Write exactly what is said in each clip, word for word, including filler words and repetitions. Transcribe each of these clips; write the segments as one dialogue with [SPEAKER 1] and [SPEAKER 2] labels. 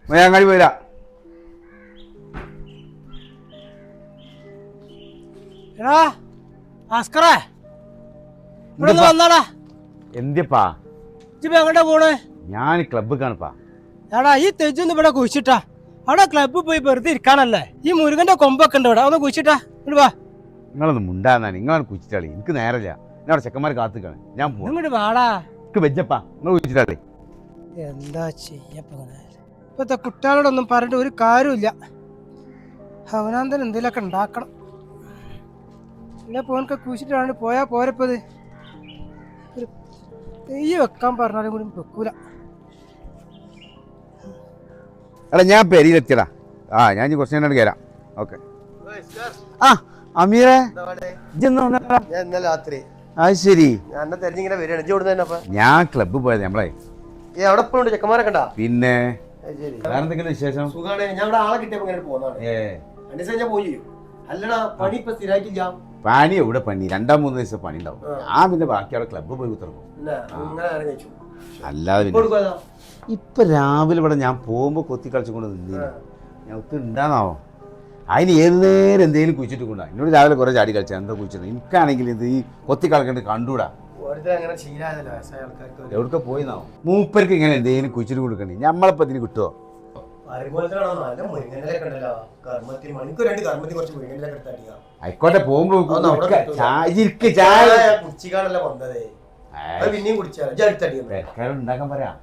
[SPEAKER 1] അങ്ങാടി പോരാ. എന്തിപ്പാ
[SPEAKER 2] എങ്ങോട്ടാ പോണേ?
[SPEAKER 1] ഞാൻ ക്ലബ്ബ് കാണിപ്പാ.
[SPEAKER 2] എടാ ഈ തെജൊന്ന് ഇവിടെ കുഴിച്ചിട്ടാ. അവിടെ ക്ലബ്ബിൽ പോയി വെറുതെ ഇരിക്കാനല്ലേ. ഈ മുരുകന്റെ കൊമ്പൊക്കെ ഉണ്ട് ഇവിടെ, ഒന്ന് കുഴിച്ചിട്ടാ. വാ,
[SPEAKER 1] നിങ്ങളൊന്ന് മുണ്ടാന്നാ. നിങ്ങളാണ് കുഴിച്ചിട്ടാളി. എനിക്ക് നേരല്ല. ഞാൻ ചെക്കന്മാർ കാത്തിക്കാണ്. ഞാൻ
[SPEAKER 2] ഇങ്ങോട്ട് വാടാ.
[SPEAKER 1] വെച്ചപ്പാ നിങ്ങൾ കുഴിച്ചിട്ടാളി.
[SPEAKER 2] എന്താ ചെയ്യപ്പോ ഇപ്പത്തെ കുട്ടികളോടൊന്നും പറഞ്ഞിട്ട് ഒരു കാര്യമില്ല. അവനാന്തരം എന്തെങ്കിലുമൊക്കെ ഉണ്ടാക്കണം. ഇല്ല പോനൊക്കെ കുഴിച്ചിട്ടാണ് പോയാ പോരപ്പത്. ഒരു തെയ്യ് വെക്കാൻ പറഞ്ഞാലും കൂടി വെക്കൂല.
[SPEAKER 1] എടാ ഞാൻ പെരിയിലെത്തിയടാ. ആ ഞാൻ കുറച്ച് നേരം കയറാം. ഓക്കെ. ആ അമീറെ അത് ശരി. ഞാൻ ക്ലബ്ബ് പോയത് നമ്മളെ. പിന്നെ വേറെ എന്തെങ്കിലും വിശേഷം? പണി എവിടെ പണി? രണ്ടാം മൂന്ന് ദിവസം പണി ഉണ്ടാവും. ഞാൻ പിന്നെ ബാക്കി അവിടെ ക്ലബ്ബ് പോയി കുത്തിറങ്ങും. അല്ലാതെ പിന്നെ ഇപ്പൊ രാവിലെ ഇവിടെ ഞാൻ പോകുമ്പോ കൊത്തി കളിച്ചുകൊണ്ട് നിന്നില്ല. ഞാൻ ഒത്തിരി ഉണ്ടാന്നാവോ. അതിന് ഏത് നേരം എന്തെങ്കിലും കുഴിച്ചിട്ട് കൊണ്ടാ. എന്നോട് രാവിലെ കുറെ ചാടി കളിച്ചാ എന്താ കുഴിച്ചത്. എനിക്കാണെങ്കിൽ ഇത് ഈ കൊത്തി കളിക്കേണ്ട കണ്ടൂടാ. എവിടൊക്കെ പോയിന്നാവോ. മൂപ്പർക്ക് ഇങ്ങനെ എന്തെങ്കിലും കുഴിച്ചിട്ട് കൊടുക്കണ്ടേ. ഞമ്മളിപ്പോ ഇതിന് കിട്ടുമോ? ആയിക്കോട്ടെ പോകുമ്പോ ഉണ്ടാക്കാൻ പറയാം.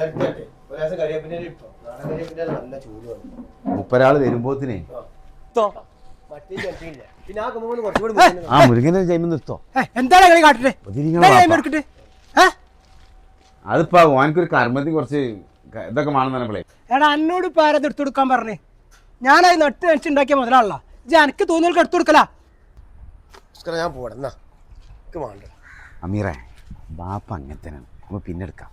[SPEAKER 1] മുപ്പരാള് വരുമ്പോത്തിനെ ആ മുരുകനെ ജൈമ നിർത്തോ. അതിപ്പോ ഓനക്കൊരു കർമ്മത്തിൽ കുറച്ച് ഇതൊക്കെ വേണമെന്നേ.
[SPEAKER 2] എടാ എന്നോട് ഇപ്പൊ ആരത് എടുത്തു കൊടുക്കാൻ പറഞ്ഞേ? ഞാനത് നട്ട് നടിച്ചുണ്ടാക്കിയ മുതലാണല്ലോ. ഇത് എനിക്ക് തോന്നിയവർക്ക് എടുത്തു കൊടുക്കല.
[SPEAKER 3] ഞാൻ പോടാ.
[SPEAKER 1] അമീറേ ബാപ്പ അങ്ങനത്തെ നമ്മ പിന്നെ എടുക്കാം.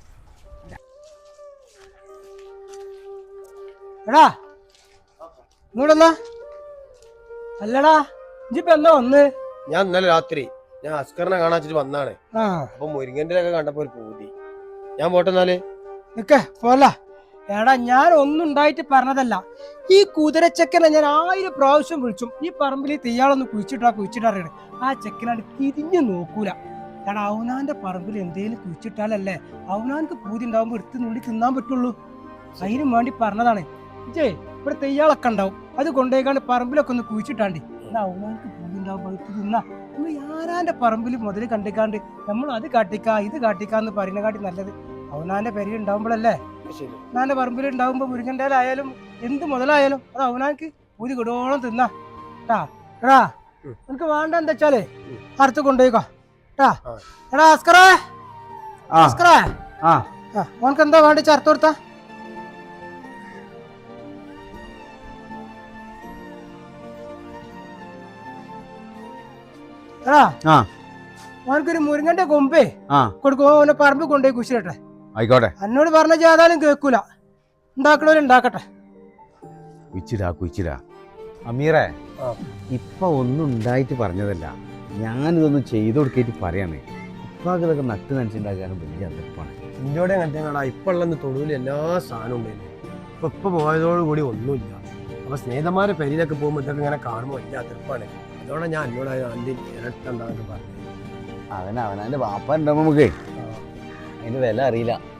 [SPEAKER 2] എടാ ഇങ്ങോട്ടെന്നാ. അല്ലടാ ഇജിപ്പോ എന്നാ വന്ന്?
[SPEAKER 3] ഞാൻ ഇന്നലെ രാത്രി ഞാൻ അസ്കറിനെ കാണാച്ചിട്ട് വന്നാണ്. അപ്പൊ മുരിങ്ങന്റെ ഒക്കെ കണ്ടപ്പോ ഒരു പൂതി. ഞാൻ പോട്ടെന്നാല്
[SPEAKER 2] നിക്ക പോല. എടാ ഞാൻ ഒന്നും ഉണ്ടായിട്ട് പറഞ്ഞതല്ല. ഈ കുതിരച്ചക്കനെ ഞാൻ ആയിരം പ്രാവശ്യം വിളിച്ചു. ഈ പറമ്പിൽ തെയ്യാളൊന്ന് കുഴിച്ചിട്ടാ കുഴിച്ചിട്ടറിയണേ. ആ ചെക്കനാണ് തിരിഞ്ഞു നോക്കൂല. എടാ അവനാന്റെ പറമ്പിൽ എന്തേലും കുഴിച്ചിട്ടാലല്ലേ അവനാർക്ക് പൂതി ഉണ്ടാവുമ്പോ എടുത്ത് നുള്ളി തിന്നാൻ പറ്റുള്ളൂ. അതിനും വേണ്ടി പറഞ്ഞതാണ്. ഇജേ ഇവിടെ തെയ്യാളൊക്കെ ഉണ്ടാവും. അത് കൊണ്ടുപോയിക്കാണ്ട് പറമ്പിലൊക്കെ ഒന്ന് കുഴിച്ചിട്ടാണ്ടി. എടാ അവനാർക്ക് പൂതി ഉണ്ടാവുമ്പോ എടുത്ത് തിന്നാ. നമ്മൾ ആരാന്റെ പറമ്പിൽ മുതൽ കണ്ടിക്കാണ്ട് നമ്മൾ അത് കാട്ടിക്കാ ഇത് കാട്ടിക്കാന്ന് പറയുന്ന കാട്ടി നല്ലത് അവനാന്റെ പെരിയിൽ ഉണ്ടാവുമ്പോഴല്ലേ. അവനാന്റെ പറമ്പിൽ ഉണ്ടാവുമ്പോ മുരുകന്റെ ആയാലും എന്ത് മുതലായാലും അത് അവനാർക്ക് പൂതി കൊടുത്തോളം തിന്നാ. ട്ടാ എടാ എനിക്ക് വേണ്ട എന്താ വെച്ചാലേ അടുത്ത് കൊണ്ടുപോയിക്കോ. എടാ അസ്കറേ അസ്കറേ ഓനക്ക് എന്താ വേണ്ടി ചേർത്ത് കൊടുത്താ? എടാ ഓനക്കൊരു മുരുങ്ങന്റെ കൊമ്പേ കൊടുക്കുമ്പോ ഓനെ പറമ്പ് കൊണ്ടുപോയി കുശിരട്ടെ.
[SPEAKER 1] ആയിക്കോട്ടെ.
[SPEAKER 2] എന്നോട് പറഞ്ഞ ചെയ്താലും കേൾക്കൂല. ഉണ്ടാക്കണവരുണ്ടാക്കട്ടെ.
[SPEAKER 1] കുച്ചിടാ കുച്ചിടാ. അമീറേ ഇപ്പൊ ഒന്നും ഉണ്ടായിട്ട് പറഞ്ഞതല്ല. ഞാനിതൊന്നും ചെയ്തു കൊടുക്കേറ്റ് പറയാനേ. ഇപ്പൊ അതൊക്കെ നട്ട് നനച്ചുണ്ടാക്കാനും വലിയ അതിപ്പാണ്.
[SPEAKER 3] ഇഞ്ചോടെ കണ്ടാ ഇപ്പൊ ഉള്ള തൊടുവിൽ എല്ലാ സാധനവും ഉണ്ടായിരുന്നു. ഇപ്പൊ ഇപ്പൊ പോയതോടു കൂടി ഒന്നുമില്ല. അപ്പൊ സ്നേഹിതന്മാരെ പെരിയിലൊക്കെ പോകുമ്പോ ഇതൊക്കെ ഇങ്ങനെ കാണുമ്പോൾ വലിയ അതിപ്പാണ്. അതോടെ ഞാൻ എന്നോട് ആദ്യം ഇരട്ടുണ്ടാകുന്ന പറഞ്ഞു.
[SPEAKER 1] അവൻ അവനാന്റെ വാപ്പ ഉണ്ടാവും. നമുക്ക് അതിന്റെ വില അറിയില്ല.